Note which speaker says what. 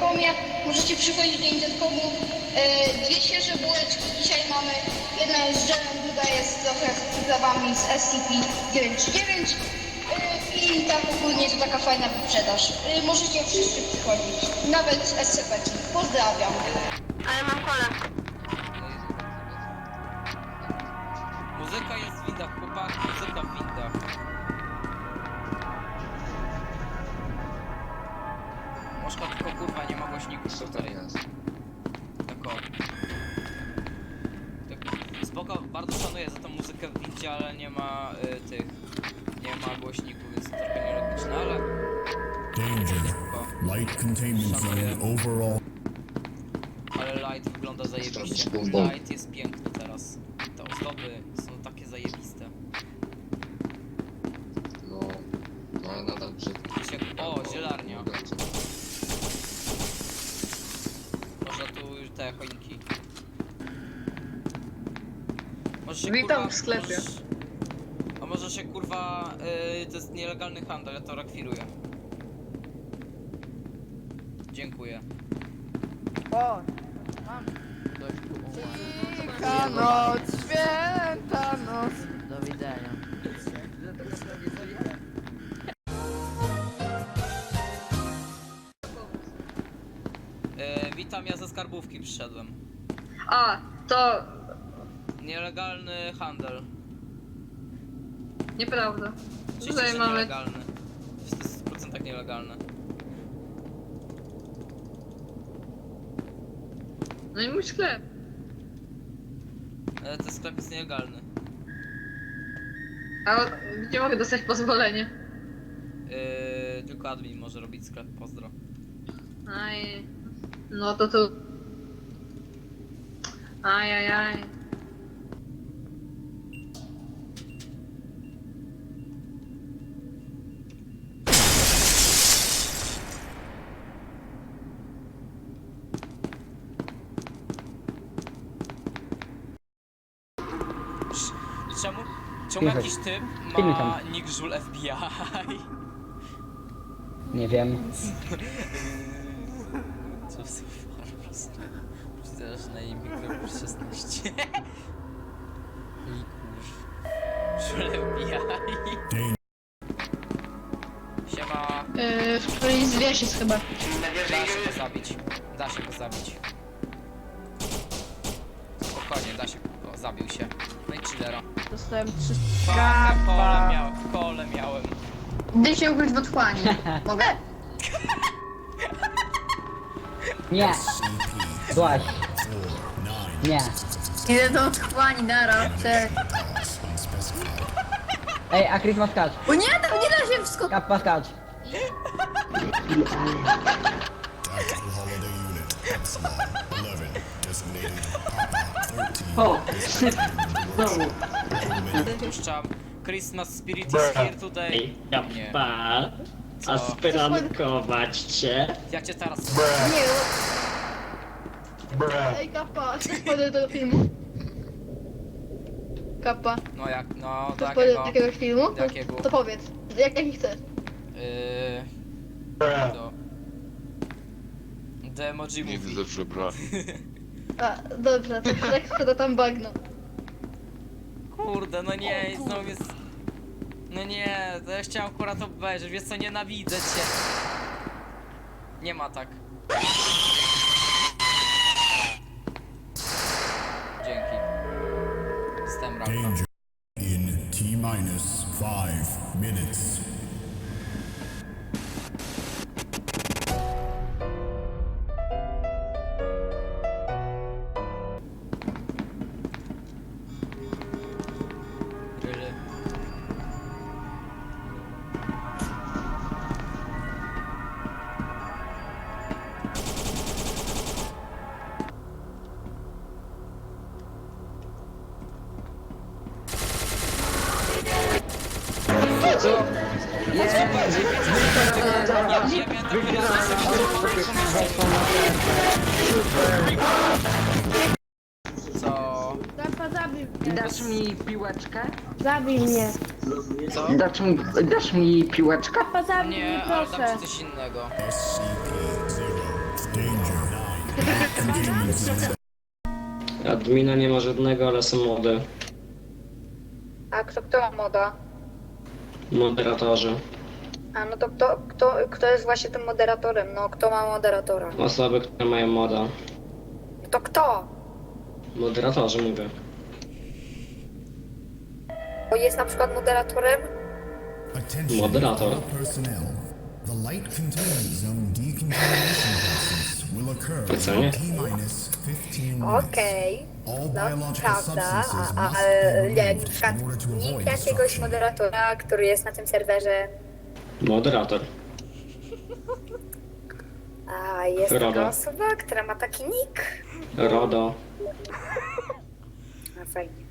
Speaker 1: Intercomie. Możecie przychodzić do Intercomu. Dwie świeże bułeczki dzisiaj mamy. Jedna jest z dżemem, druga jest trochę z przyprawami z SCP-939. I tak ogólnie to taka fajna wyprzedaż. Możecie wszyscy przychodzić, nawet SCP-ki. Pozdrawiam.
Speaker 2: Ale mam kolę.
Speaker 3: Muzyka jest w windach, chłopaki, muzyka w windach. Moszka tylko kurwa nie ma głośników tutaj. Tak o. Tak, spoko, bardzo szanuję za tą muzykę w windzie, ale nie ma tych... Nie ma głośników, więc to trochę nielogiczne, ale...
Speaker 4: Danger. Light containment zone overall.
Speaker 3: Ale light wygląda zajebiście. Light jest piękny teraz. Te ozdoby są takie zajebiste.
Speaker 5: No, ale nadal brzydki.
Speaker 3: O, zielarnia. Może tu już te choinki. Może się,
Speaker 2: Witam
Speaker 3: kurwa,
Speaker 2: w sklepie.
Speaker 3: A może się kurwa... to jest nielegalny handel, ja to rekwiruję. Dziękuję.
Speaker 6: O! Mam! Święta noc, święta noc! Do widzenia.
Speaker 3: Witam, ja ze skarbówki przyszedłem.
Speaker 2: A, to
Speaker 3: Nielegalny handel.
Speaker 2: nieprawda.
Speaker 3: Oczywiście,
Speaker 2: Tutaj
Speaker 3: że
Speaker 2: mamy...
Speaker 3: nielegalny. W 100% nielegalny.
Speaker 2: No i mój sklep.
Speaker 3: Ten sklep jest nielegalny.
Speaker 2: A gdzie mogę dostać pozwolenie?
Speaker 3: Tylko admin może robić sklep, pozdro.
Speaker 2: Aj... No to tu... Ajajaj.
Speaker 3: Czemu jakiś typ ma nick Żul FBI?
Speaker 7: Nie wiem.
Speaker 3: Co za po prostu. Przecież na imię mikro 16. I kurz. Żul FBI. Siema.
Speaker 1: W którejś z wieś jest chyba.
Speaker 3: Da się go zabić. Da się go zabić. Spokojnie, da się go. Zabił się. No i chillera.
Speaker 6: Dostałem 3
Speaker 3: Kole miałem.
Speaker 1: Gdy się ugryźć w otchłani. Mogę?
Speaker 7: Nie! Złaś! Nie!
Speaker 1: Idę do otchłani, nara.
Speaker 7: Ej, a Chris ma skacz!
Speaker 1: O nie, tam nie da się wskoczyć.
Speaker 7: Kappa skacz!
Speaker 4: Tactical holiday unit. Epsilon 11. Designated Papa 13.
Speaker 3: Puszczam. Christmas Spirit is here today. Nie.
Speaker 8: Kappa,
Speaker 3: Co?
Speaker 8: a sprankować cię?
Speaker 3: Ja cię teraz...
Speaker 1: Nie. Ej, kappa, chcesz spoiler do tego filmu? Kappa,
Speaker 3: No jak, no do
Speaker 1: chcesz spoiler
Speaker 3: jakiego?
Speaker 1: do jakiegoś filmu?
Speaker 3: Do jakiego?
Speaker 1: To powiedz. Jaki chcesz?
Speaker 3: Do... The Emoji
Speaker 5: Nie
Speaker 3: Movie.
Speaker 5: widzę, że bra.
Speaker 1: A, dobrze, to Shrek sprzeda tam bagno.
Speaker 3: Kurde, no nie, i znowu jest... No nie, to ja chciałem akurat obejrzeć, wiesz co, nienawidzę cię. Nie ma tak. Dzięki. Jestem raka.
Speaker 4: Danger. In T-minus 5 minutes.
Speaker 3: Really? Co?
Speaker 6: Kappa, zabij mnie!
Speaker 9: Dasz mi piłeczkę?
Speaker 6: Zabij mnie!
Speaker 3: Co?
Speaker 9: Dasz mi piłeczkę?
Speaker 6: Kappa, zabij mnie,
Speaker 3: Nie, ale dam
Speaker 6: proszę!
Speaker 3: ci coś innego.
Speaker 4: SCP-0. Containment zone.
Speaker 8: Admina nie ma żadnego, ale są mody.
Speaker 9: A kto ma moda?
Speaker 8: Moderatorzy.
Speaker 9: A no to kto jest właśnie tym moderatorem? No kto ma moderatora?
Speaker 8: Osoby, które mają moda.
Speaker 9: To kto?
Speaker 8: Moderatorzy mówię.
Speaker 9: Bo jest na przykład moderatorem?
Speaker 4: Attention,
Speaker 8: Moderator.
Speaker 4: all personnel. The light containment zone decontamination process will occur
Speaker 8: Ocenię.
Speaker 4: in T-minus 15 minutes.
Speaker 9: Okej.
Speaker 4: All
Speaker 9: No
Speaker 4: biological
Speaker 9: prawda,
Speaker 4: substances
Speaker 9: a
Speaker 4: must be
Speaker 9: nie, na
Speaker 4: removed
Speaker 9: przykład
Speaker 4: in order to
Speaker 9: nikt
Speaker 4: avoid
Speaker 9: jakiegoś
Speaker 4: destruction.
Speaker 9: moderatora, który jest na tym serwerze.
Speaker 8: Moderator.
Speaker 9: A jest taka
Speaker 8: Roda.
Speaker 9: osoba, która ma taki nick.
Speaker 8: RODO.
Speaker 9: A fajnie.